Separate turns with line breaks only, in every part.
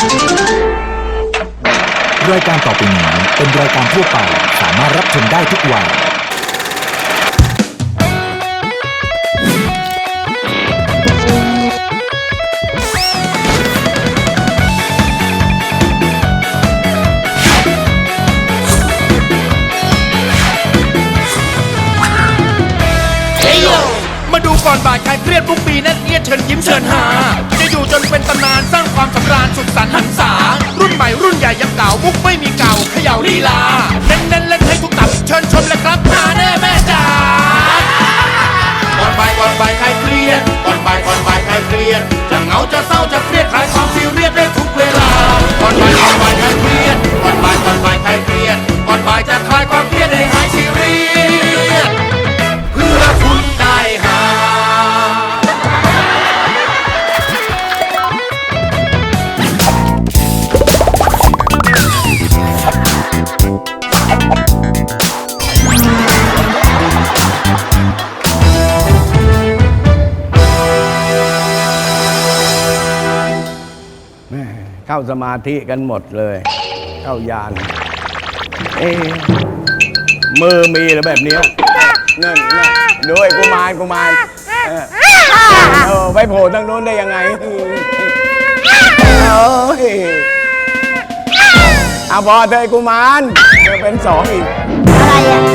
รายการต่อไปนี้เป็นรายการทั่วไปสามารถรับชมได้ทุกวัย
มาดูก่อนบ่ายใครเครียดทุกปีนั่นเอียดเชิญยิ้มเชิญหาจะอยู่จนเป็นตำนานสร้างความสำราญสุดสันต์หันษารุ่นใหม่รุ่นใหญ่ยังเก่ามุกไม่มีเก่าเขย่าลีลาเน้นเล่นให้ทุกตับเชิญชมเลยครับหาแน่แม่จ๋าก่อนบ่ายใครเครียดก่อนบ่ายใครเครียดจะเหงาจะเศร้าจะเครียดคลายความซีเรียสได้ทุกเวลาก่อนบ่ายใครเครียดก่อนบ่ายใครเครียดก่อนบ่ายจะคลายความเครียดให้หายซีเรียสเพื่อคุณได้หา
เข้าสมาธิกันหมดเลยเข้ายานมือมีหรือแบบนี้นั่นด้วยกุมารไปโผล่ทางโน้นได้ยังไงเอาพอเธอกุมารเป็นสองอีกอะไร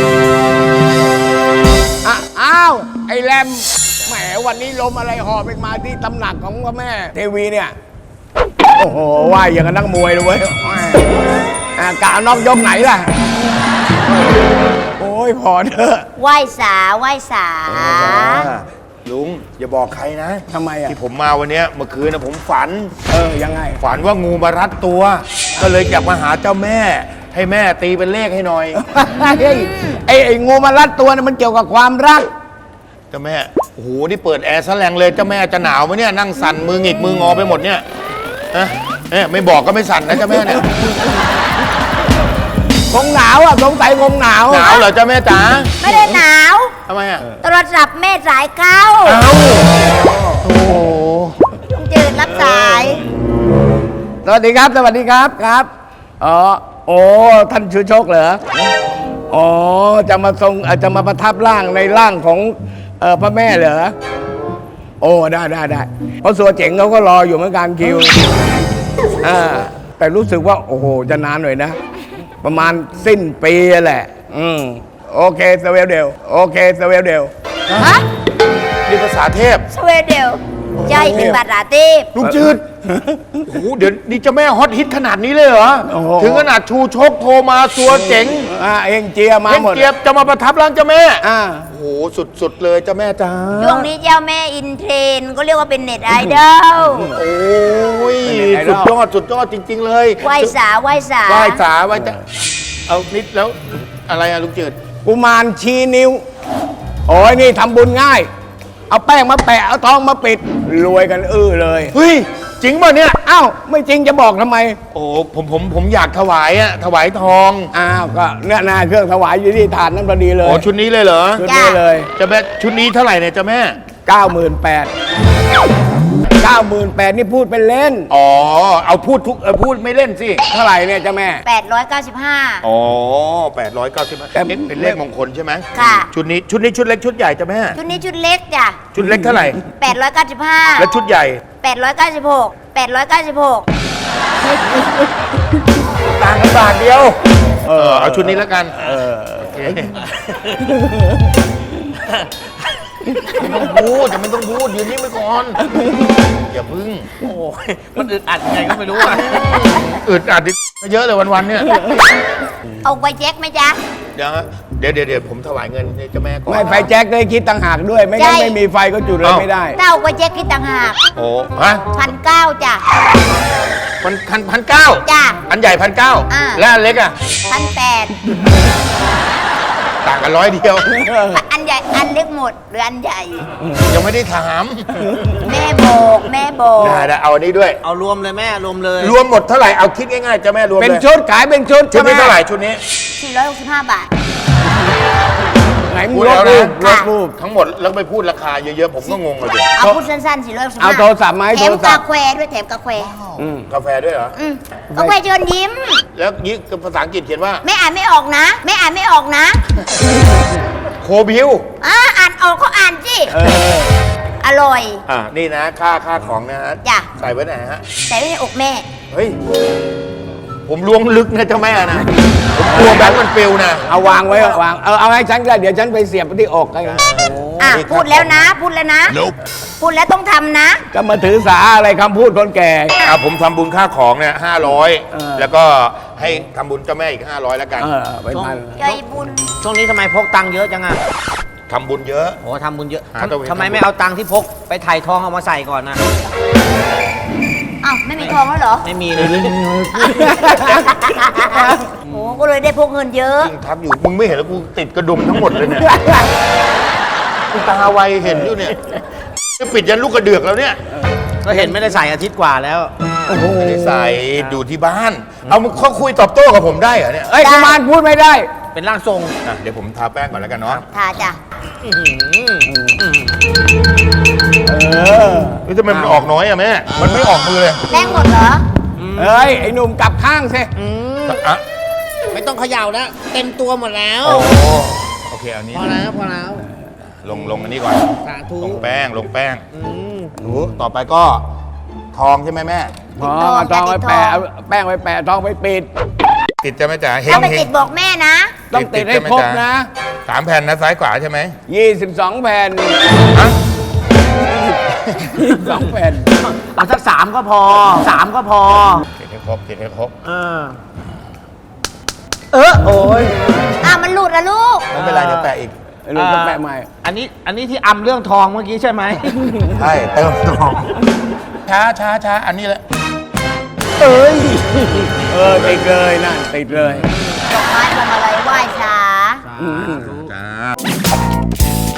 อ้าวไอ้แรมแหมวันนี้ลมอะไรหอบไปมาที่ตำหนักของพระแม่เทวีเนี่ยโอ้โหว่ายอย่างกับนักมวยเลยเว้ยกะนอกยกไหนล่ะโอ้ยพอเถอะ
ไหว้สา
ลุงอย่าบอกใครนะ
ทำไมอ่ะ
ที่ผมมาวันนี้เมื่อคืนนะผมฝัน
ยังไง
ฝันว่างูมารัดตัวก็เลยอยากมาหาเจ้าแม่ให้แม่ตีเป็นเลขให้หน่อย
ไอ้งูมารัดตัวเนี่ยมันเกี่ยวกับความรัก
เจ้าแม่โอ้โหนี่เปิดแอร์ซะแรงเลยเจ้าแม่จะหนาวไหมเนี่ยนั่งสั่นมือหงิกมืองอไปหมดเนี่ยไม่บอกก็ไม่สั่นนะเจ้าแม่เนี่ย
คงหนาวอ่ะสงสัยคงหนาว
เหรอเจ้าแม่จ๋า
ไม่ได้หนาว
ทำไมอ่ะ
โทรศัพท์แม่สายเข้า
โอ้
ลุงจืดรับสาย
สวัสดีครับครับโอ้ท่านชูโชคเหรอจะมาประทับร่างในร่างของพระแม่เหรอโอ้ได้เพราะสัวเจ๋งเขาก็รออยู่เหมือนกันคิวแต่รู้สึกว่าโอ้โหจะนานหน่อยนะประมาณสิ้นปีแหละโอเคสเวลเดล
ฮะ
นี่ภาษาเทพ
สเวลเดลใช่เป็นภาษาเทพ
ลุงจืดโอ้โหเดี๋ยวนี่เจ้าแม่ฮอตฮิตขนาดนี้เลยเหรอถึงขนาดชูชกโทรมาสัวเจ๋ง
เองเจียมาหมด
เจียจะมาประทับร่างเจ้าแม่โอ้โหสุดเลยเจ้าแม่จ้า
ช่วงนี้เจ้าแม่อินเทรนก็เรียกว่าเป็นเน็ตไอดอล
โอ้ยสุดยอดจริงๆเลย
ไหว้สา
เอานิดแล้วอะไรอะลุงจืด
กุมารชี้นิ้วโอ้ยนี่ทำบุญง่ายเอาแป้งมาแปะเอาทองมาปิดรวยกันเลย
เฮ้ยจริงป่ะเนี่ย
อ้าวไม่จริงจะบอกทำไม
โอ้ผมอยากถวายทอง
ก็เนี่ยนาเครื่องถวายอยู่ที่ถาดนั้นพอดีเลย
ชุดนี้เลยเหรอ
ชุดนี้เลย
เจ้าแม่ชุดนี้เท่าไหร่เนี่ยเจ้าแม่
98,000นี่พูดเป็นเล่น
เอาพูดไม่เล่นสิ
เท่าไหร่เนี่ยเจ้าแม่
895
895เป็นเลขมงคลใช่ไหม
ค่ะ
ชุดนี้ชุดเล็กชุดใหญ่เจ้าแม่
ชุดนี้ชุดเล็กจ้ะ
ชุดเล็กเท่าไหร่
895
แล้วชุดใหญ่
896
ต่างกันบาทเดียวเอาชุดนี้แล้วกันไม่ต้องพูดยืนนิ่งไปก่อนอย่าพึ่ง
โอ้ยมันอึดอัดยังไงก็ไม่รู้
อึดอัดเยอะเลยวันๆเนี่ย
เอาไฟแจ็คไหมจ๊ะ
เดี๋ยวผมถวายเงินให้เจ้าแม่ก่อน
ไม่ไฟแจ็คได้คิดต่างหากด้วยไม่งั้นไม่มีไฟก็จุดเลยไม่ได้
เต้าไฟแจ็คคิดต่างหาก
ฮะ
1,900จ้ะ
1,900
จ้ะ
อันใหญ่1,900แล้วอันเล็กอ่ะ
1,800
ต่างกัน100เดียว
อันใหญ่อันเล็กหมดหรืออันใหญ่
ยังไม่ได้ถาม
แม่บอก
ได้เอาอันนี้ด้วย
เอารวมเลยแม่รวมเลย
รวมหมดเท่าไหร่เอาคิดง่ายๆจะแม่รวม
เป็นชุดขายเป็นชุด
นี้เท่าไหร่ชุดนี้
465 บาท
ไหนมึ
พู
ง
ด
ล
แล้
บ
ว
รู
นะ
ปลบรูป
ทั้งหมดแล้วไปพูดราคาเยอะๆผมก็งงเลย
เอาพูดสั้นๆสิร้อยสิบ
เอาโทรศัพท์มาให้
แถ
โท
ม
รศั
กา
พท์
แฟด้วยแถมกาแฟ
กาแฟด้วยเหรอ
กาแฟเชิญยิ้ม
แล้วนี่ภาษาอังกฤษเขียนว่า
ไม่อ่านไม่ออกนะ ไม่อ่านไม่ออกนะ
โคบิว
อ่านออกก็อ่านสิอร่อย
นี่นะค่าของนะฮะ
จ้ะ
ใส่ไว้ไหนฮะ
ใส่ไว้ในอกแม่
เฮ้ย ผมล้วงลึกนะเจ้าแม่นะผมกลัวแบงค์มันปลิวนะ
เอาวางไว้วางเอาให้ฉันก็ได้เดี๋ยวฉันไปเสียบที่อกให้
พูดแล้วนะ พูดแล้วนะ พูดแล้วต้องทำนะ
ก็มาถือสาอะไรคำพูดคนแก่
ผมทำบุญค่าของเนี่ย500 แล้วก็ให้ทำบุญเจ้าแม่อีก500แล้วกัน
ไปพัน
ใจบุญ
ช่วงนี้ทำไมพกตังค์เยอะจังอะ
ทำบุญเยอะ
โอ้ทำบุญเยอะ
หาตัวเอง
ทำไมไม่เอาตังค์ที่พกไปถ่ายทองเอามาใส่ก่อนนะ
อ้าวไม่มีทองแล้วเหรอ
ไม่มีเลย
โอ้ก็เลยได้พกเงินเยอะ
จริงทับอยู่ มึงไม่เห็นแล้วกูติดกระดุมทั้งหมดเลยเนี่ยกูตาไวเห็นอยู่เนี่ยจะปิดยันลูกกระเดือกแล้วเนี่ย
ก็เห็นไม่ได้ใส่อาทิตย์กว่าแล้ว
ไม่ได้ใส่อยู่ที่บ้าน เอามึงเขาคุยตอบโต้กับผมได้เหรอเนี่ย
เอ้ยกุมารพูดไม่ได้
เป็นร่างทรง
เดี๋ยวผมทาแป้งก่อนแล้วกันเนาะ
ทาจ้ะ
นี่ทำไมมันออกน้อยอะแม่ มันไม่ออกมือเลย
แป้งหมดเหรอ
เอ้ยไอ้หนุ่มกลับข้างสิ
อ่ะ
ไม่ต้องเขย่าแล้วเต็มตัวหมดแล้ว
โอ้โอเคเอานี้
พอแล้วพอแล้ว
ลงอันนี้ก่อน
สาธุ
ลงแป้งหนูต่อไปก็ทองใช่ไหมแม่
อ๋อเอาทองไปแปะเอาแป้งไปแปะทองไปปิด
ติดจะไหม่จ๋าเฮ
ถ้าง ไปติดบอกแม่นะ
ต้องติดให้ครบนะ
3 แผ่นนะซ้ายขวาใช่ไหม
22 แผ่น
ฮะ
22 แผ่น
เอาสัก3ก็พอ3ก็พอ
ติดให้ครบติดให้ครบ
โอ้ย
มันหลุดละลูก
ไม่เป็นไรเดี๋ยวแปะอีก
ลูกก็แปะใหม่
อันนี้ที่อำเรื่องทองเมื่อกี้ใช่ไหม
ใช่เติมทองช้าอันนี้แหละ
ติดเลยนั่นติดเลย
ดอกไม้พวงมาลัยไหว้ช้า
จ้า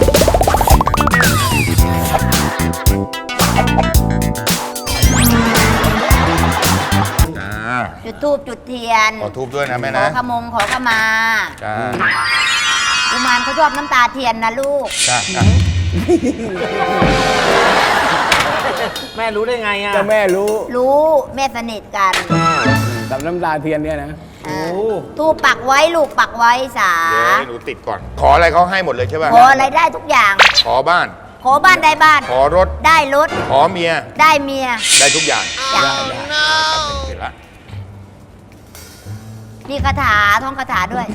จ้า
จุดธูปจุดเทียน
ขอทูบด้วยนะแม่
ขอ
นะ
ขมงขอขมา
จ้า
กุมารเขาชอบน้ำตาเทียนนะลูก
จ้า
แม่รู้ได้ไงอ่ะ
เจ้าแม่รู้
รู้แม่สนิทกัน
กับน้ำตาเทียนเนี่ยนะ
ทูปปักไว้ลูกปักไว้สา
เดี๋ยวให้หนูติดก่อน ขออะไรเขาให้หมดเลยใช่ป่ะ
ขออะไรได้ทุกอย่าง
ขอบ้าน
ขอบ้านได้บ้าน
ขอรถ
ได้รถ
ขอเมีย
ได้เมีย
ได้ทุกอย่าง
จ้ะ
เสร็จละ
มีคาถาท่องคาถาด้วย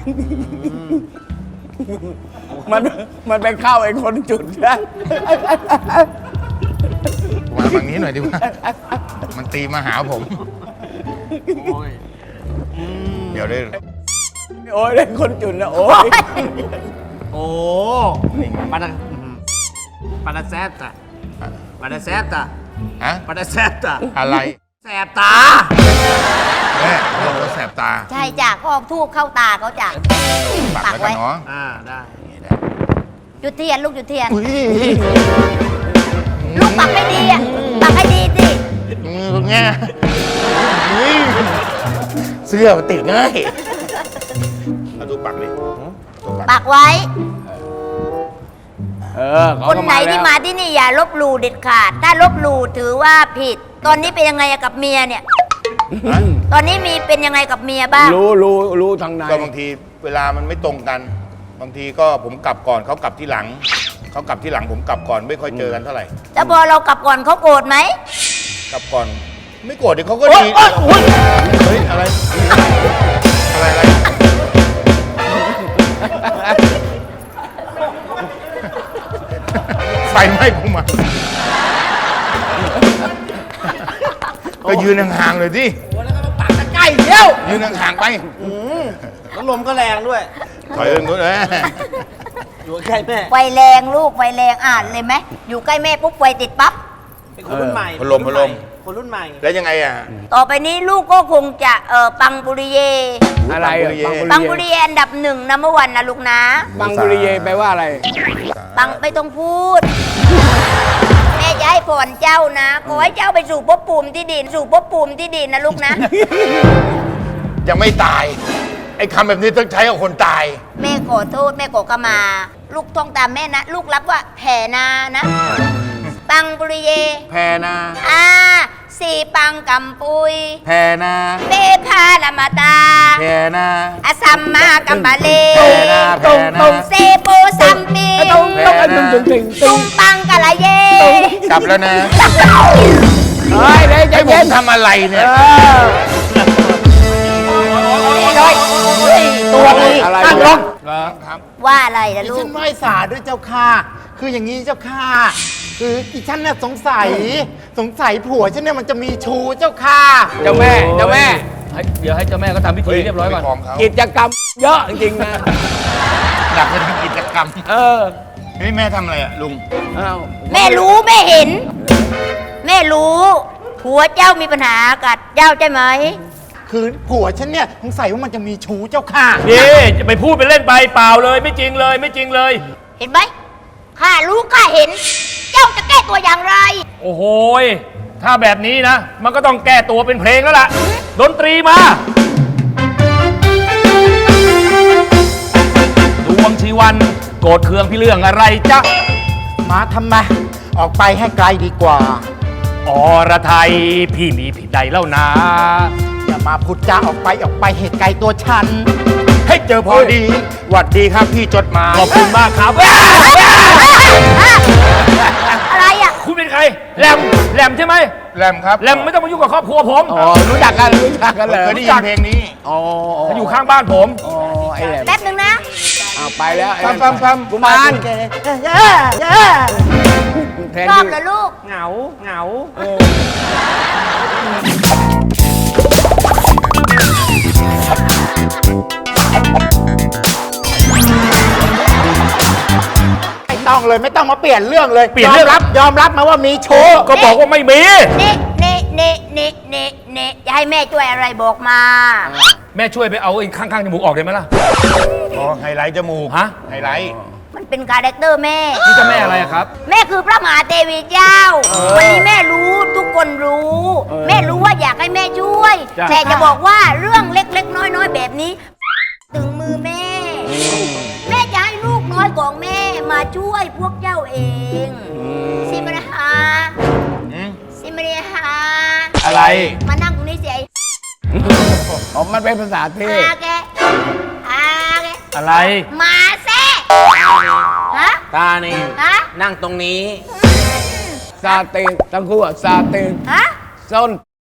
มันไปเข้าไอ้คนจุดนะ
มาฝั่งนี้หน่อยดีกว่า มันตีมาหาผม เดี๋ยวได้
โอ้ยได้คนจุดนะโอ้ย
โอ้ปานาปานาแซตตะปานาแซตตะ
ฮะ
ปานาแซตตะ
อะไร
แสบตา
แม่เราแสบตา
ใช่จ้ะก็เอาทูบเข้าตาเขาจ้ะ
ปัก
ปัก
แล้ว
ไว้
กันเนาะ
ได้
จุดเทียนลูกจุดเทียน
อุ้ย
ลูกปักให้ดีอ่ะปักให้ดีสิ
แง่อุ้ยเสื้อมันติดง่ายเอาดูปักดิดูปัก
ปักไว้
เขา
คน
ก็
ไหนที่
แล้ว
มาที่นี่อย่าลบหลู่เด็ดขาด ถ้าลบหลู่ถือว่าผิด ตอนนี้เป็นยังไงกับเมียเนี่ย
ฮะ
ตอนนี้มีเป็นยังไงกับเมียบ้าง
รู้ทางใน
ก็บางทีเวลามันไม่ตรงกัน บางทีก็ผมกลับก่อนเขากลับที่หลัง เขากลับที่หลังผมกลับก่อนไม่ค่อยเจอกันเท่าไหร่
แล้วพอเรากลับก่อนเขาโกรธไหม
กลับก่อนไม่โกรธเดี๋ยวเขาก็ดี เฮ้ยอะไรอะไรไฟไหม้กูมาก็ยืนห่างๆเลยสิ
ปักตะใกล้เดียว
ยืนห่างๆไป
แล้วลมก็แรงด้วย
ถอยเอินนู้นเลย
อยู่ใกล้แม่
ไฟแรงลูกไฟแรงอ่านเลยไหมอยู่ใกล้แม่ปุ๊บไฟติดปั๊บ
เป็นคนรุ่นใหม่
พัดลม
คนรุ่นใหม่
แล้วยังไงอ่ะ
ต่อไปนี้ลูกก็คงจะปังปุริเย
อะไร
ปังปุริเยอันดับหนึ่งนัมวันนะลูกนะ
บังบุริเยแปลว่าอะไร
ปังไม่ต้องพูด แม่จะให้พรเจ้านะขอให้เจ้าไปสู่ภพภูมิที่ดีสู่ภพภูมิที่ดีนะลูกนะ
ยังไม่ตาย ไออ้คำแบบนี้ต้องใช้กับคนตาย
แม่ขอโทษแม่ขอขมา ลูกท่องตามแม่นะ ลูกรับว่าแผ่นานะ ปังปุริเย
แพนา
สีปังกัมปุย
แพนา
เบพาลามาตา
แพนา
อสัมมากัมบาเล
แพนาแพนา
เซโปสัมปี
ต้องตึง
ตุงปังกะละเย
กลับแล้วนะ
เฮ้ยเดี๋ยวใจ
ให้ผ
เย็
ม
น
ทำอะไรเนี่ย
ตัวนี้ตั้งลง
ว่าอะไรนะลู
ฉั
ก
นไหว้สาด้วยเจ้าค่ะ คืออย่างนี้เจ้าค่ะ คืออีฉันเนี่ยสงสัยผัวฉันเนี่ยมันจะมีชู้เจ้าค่ะ
เจ้าแม่เจ้าแม่
เดี๋ยวให้เจ้าแม่ก็ทำพิธีเรียบร้อยก่อน
ของเขา
กิจกรรมเยอะจริงๆนะ
อยากจะทำกิจกรรม
เออ
เฮ้ยแม่ทำอะไรอะลุง
อ้าว
แม่รู้แม่เห็น แม่รู้ผัวเจ้ามีปัญหากับเจ้าใช่ไหม
คือผัวฉันเนี่ยสงสัยว่ามันจะมีชู้เจ้าค่ะ
นี่จะไปพูดไปเล่นไปเปล่าเลยไม่จริงเลยไม่จริงเลย
เห็นไหมข้ารู้ข้าเห็น เจ้าจะแก้ตัวอย่างไร
โอ้โหยถ้าแบบนี้นะ มันก็ต้องแก้ตัวเป็นเพลงแล้วล่ะ ดนตรีมา ดวงชีวันโกรธเคืองพี่เรื่องอะไรจ๊ะ
มาทำไมออกไปให้ไกลดีกว่า
อรไทยพี่มีผิดใดแล้วนะ
อย่ามาพูดจาออกไปเหตุไกลตัวฉัน
ให้เจอพอดีหวัดดีครับพี่จดหมาย
ขอบคุณมากครับ
อะไรอ่ะ
คุณเป็นใครแหลมแหลมใช่ไหม
แรมครับ
แหลมไม่ต้องมายุ่งกับครอบครัวผม
อ๋อรู้จักกันเลย
เคยได้ยินเพลงนี้
อ๋อ
เขาอยู่ข้างบ้านผม
อ๋อไอ้แหลม
แป๊บหนึ่งนะ
เอาไปแล้วไอ้
ปั๊ม
กุมาร แทน
ชอบ
ที่
เหรอลูก
เหงาเหงา
ไม่ต้องเลยไม่ต้องมาเปลี่ยนเรื่องเลย
เปลี่ยนเรื่อง
ยอมรับมาว่ามีชู้
ก็บอกว่าไม่มี
นี่จะให้แม่ช่วยอะไรบอกมา
แม่ช่วยไปเอาไอ้ข้างๆจมูกออกได้ไหมล่ะ
อ๋อไฮไลท์จมูก
ฮะ
ไฮไลท์
มันเป็นคาแรคเตอร์แม่
นี่เจะแม่อะไรอะครับ
แม่คือพระมหาเทวีเจ้า วันนี้แม่รู้ทุกคนรู้ แม่รู้ว่าอยากให้แม่ช่วย
จ้ะ
แต่จะบอกว่าเรื่องเล็กๆ น้อยๆแบบนี้ ถึงมือแม่ แม่จะให้ลูกน้อยของแม่มาช่วยพวกเจ้าเองสิมนะฮะสิมนะฮะ
อะไร
มานั่งตรงนี้สิไอ้
อ๋อมันเป็นภาษาเทพ
อาแกอาแก
อะไร
มาแซ่ฮะ
ตานี่
ฮะ
นั่งตรงนี้
ซาเตนทั้งคู่อะซาเตน
ฮะ
ส้น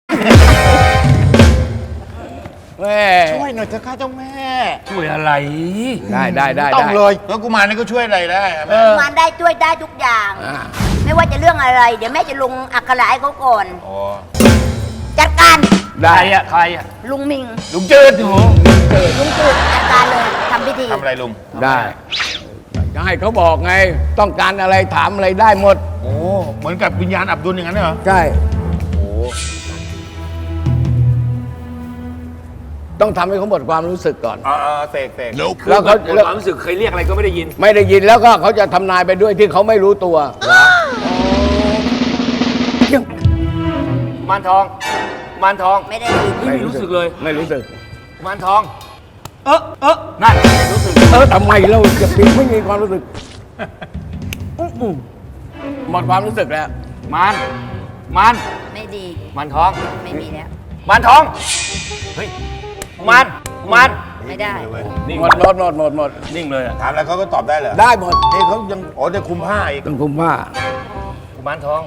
แม่
ช่วยหน่อยเถอะค่ะเจ้าแม่
ช่วยอะไร
ได้
ต้องเลย
แล้วกุมารนี่ก็ช่วยอะไรได้อะแม่
มันได้ช่วยได้ทุกอย่าง
อ่า
ไม่ว่าจะเรื่องอะไร เดี๋ยวแม่จะลงอักขระให้เขาก่อน
อ๋อ
จัดการ
ใครอะใครอะ
ลุงมิง
ลุงจืดโอ้โห
ลุงจืดจัดการเลยทำพิธี
ทำอะไรลุง
ได้จะให้เขาบอกไง ต้องการอะไรถามอะไรได้หมด
โอ้เหมือนกับวิญญาณอับดุลอย่างนั้นเหรอ
ใช่ต้องทำให้เขาหมดความรู้สึกก่อน
อ๋อเสก
แล้วเขา
หมดความรู้สึกเคยเรียกอะไรก็ไม่ได้ยิน
ไม่ได้ยินแล้วก็เขาจะทำนายไปด้วยที่เขาไม่รู้ตัว
มานทอง มานทอง
ไม่ได้ยิน
ไม่รู้สึกเลย
ไม่รู้สึก
มานทอง นั่นรู้สึก
ทำไมเราจะปีไม่มีความรู้สึกหมดความรู้สึกแล้ว
มาน
ไม่ดี
มานทอง
ไม่มีแล้ว
มานทอง เฮ้ย มาน
ไม่ได้
นิ่ง
หมดหมด
นิ่งเลยอะ
ถามอะไรเขาก็ตอบได้เหรอ
ได้หมด
เฮ้ยเขายังอ๋อจะคุมผ้าอีก
ต้องคุมผ้า
กุมารทอง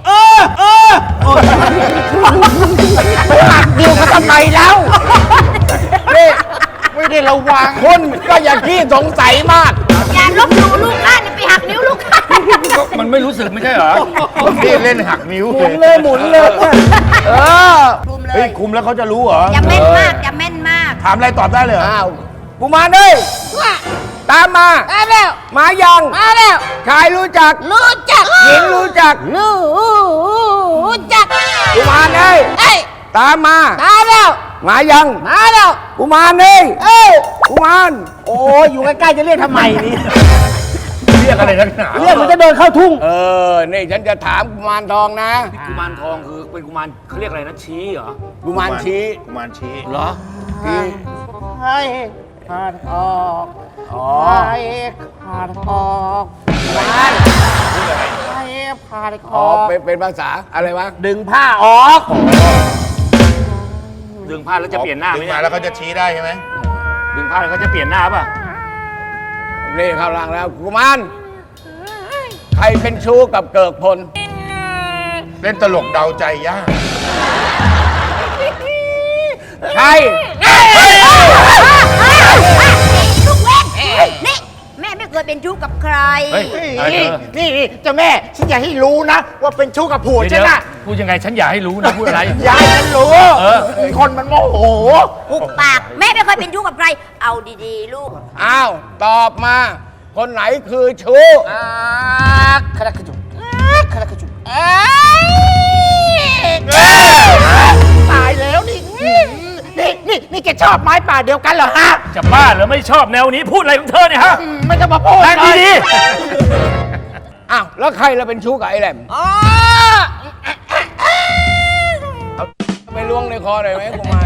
ดิวเขาทำไมแล้วนี่
ไม่ได้ระวัง
คนก็อย่าขี้สงสัยมาก
อย่าลบหลู่ลูกข้าเนี่ยไปหักนิ้วลูกข้า
มันไม่รู้สึกไม่ใช่เหรอ
พี่เล่นหักนิ้ว
หมุนเลยเออ
คุมเล
เฮ้ย
ย
คุมแล้วเขาจะรู้เหรอ
อย่าแม่นมากอย่าแม่นมาก
ถามอะไรตอบได้เลยเหรอ
อ้าวกูมาเลยตามมา
มาแล้ว
มายัง
มาแล้ว
ชายรู้จัก
รู้จัก
หญิงรู้จัก
รู้จัก
กูมาเลย
เอ้ย
ตามมา
มาแล้ว
มายัง
มาแล้ว
กูมาเลยกูมาร
โอ้ยอยู่ใกล้ๆจะเรียกทำไมนี่
เรียกอะไรนักหนา
เรียกมันจะเดินเข้าทุ่ง
นี่ฉันจะถามกุมารทองนะ
กุมารทองคือเป็นกุมารเขาเรียกอะไรนะชี้เหรอ
กุมารชี้
กุมารชี้
เหรอ
ชี้
เฮ้ย
ขาดออกไข่ขาดออกขาดไข่ขาดออกเป็นภาษาอะไรวะดึงผ้าออก
ดึงผ้าแล้วจะเปลี่ยนหน้าไหม
ดึง
เนี่
มายแล้วเขาจะชี้ได้ใช่ไหม
ดึงผ้าแล้วเขาจะเปลี่ยนหน้าป่ะ
นี่เข้าหลังแล้วกุมารใครเป็นชู้กับเกิกพล
เล่นตลกเดาใจยาก
ใคร
ลูกเว้นนี่แม่ไม่เคยเป็นชู้กับใคร
เฮ้ยอะไรเธอ
นี่เจ้าแม่ฉันอยากให้รู้นะ ว่าเป็นชู้กับผัวฉันน่ะ
พูดยังไงฉันอยากให้รู้นะพูดอะไร
อยากให้ฉันรู้
เออ
คนมันโมโห
ปุกปากแม่ไม่เคยเป็นชู้กับใคร เอาดีๆ ลูก
อ้าวตอบมา คนไหนคือชู้
คาราคาจุคาราคาจุตายแล้วนี่นี่แกชอบไม้ป่าเดียวกันเหรอฮะ
จะบ้าเหรือไม่ชอบแนวนี้พูดอะไรของเธอเนี่ยฮะ
ไม่ต้องมาพูด
นั่งดี
อ้าวแล้วใครเราเป็นชู้กับไอ้แหลมเอาไปล้วงในคอหน่อยไหมกุมาร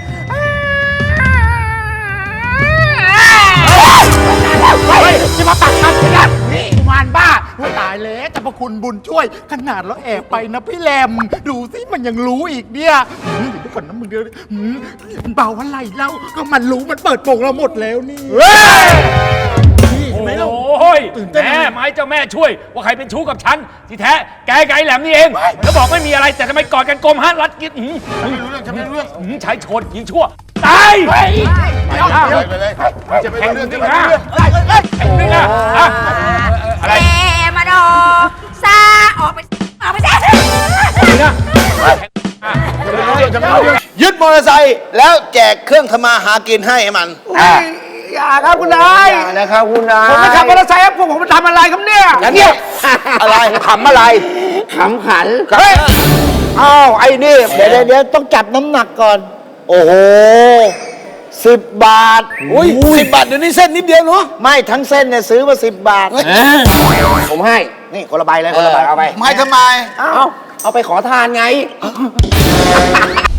เฮ้ยจะมาปักคำฉันนะนี่กุมารบ้าว่าตายแล้วแต่พระคุณบุญช่วย ขนาดเราแอบไปนะพี่แรมดูสิมันยังรู้อีกเนี่ยเดี๋ยวก่อนนะมึงเดี๋ยวมันเบาอะไรเล่าก็มันรู้มันเปิดโปงเราหมดแล้วนี่
ๆ
เห็นไหมเรา
โอ้ย
ตื่นเต้น
แม่ไม้เจ้าแม่ช่วย ว่าใครเป็นชู้กับฉัน ที่แท้แกไก่แหลมนี่เอง แล้วบอกไม่มีอะไรแต่ทำไมกอดกันกลมฮะรัดกินไม่รู้เรื่องฉันไม่รู้เรื่องใช้โชนยิงชั่ว ตาย
ไปเลยจะไปเรื่องที่
นะนี่นะอะไร
แม่มาดอซาออกไปซะ
ยึดมอเตอร์ไซค์แล้วแจกเครื่องทำมาหากินให้มัน
อย่าครับคุณนายอย่านะครับคุณนายผมไม่ขับมอเตอร์ไซค์ครับพวกผมทำอะไรครับเนี่ย
แล้วเนี่ย อะไรขำอะไร
ขำขัน
เฮ้ยอ้าวไอ้นี่ เดี๋ยวต้องจับน้ำหนักก่อน โอ้โห10 บาท อุ้ย10 บาทเดี๋ยวนี้เส้นนิดเดียวเนาะไม่ทั้งเส้นเนี่ยซื้อมา10 บาท
ผมให้
นี่คนละใบเลยคนละใบเอาไปไม่ทำไม
เอาไปขอทานไง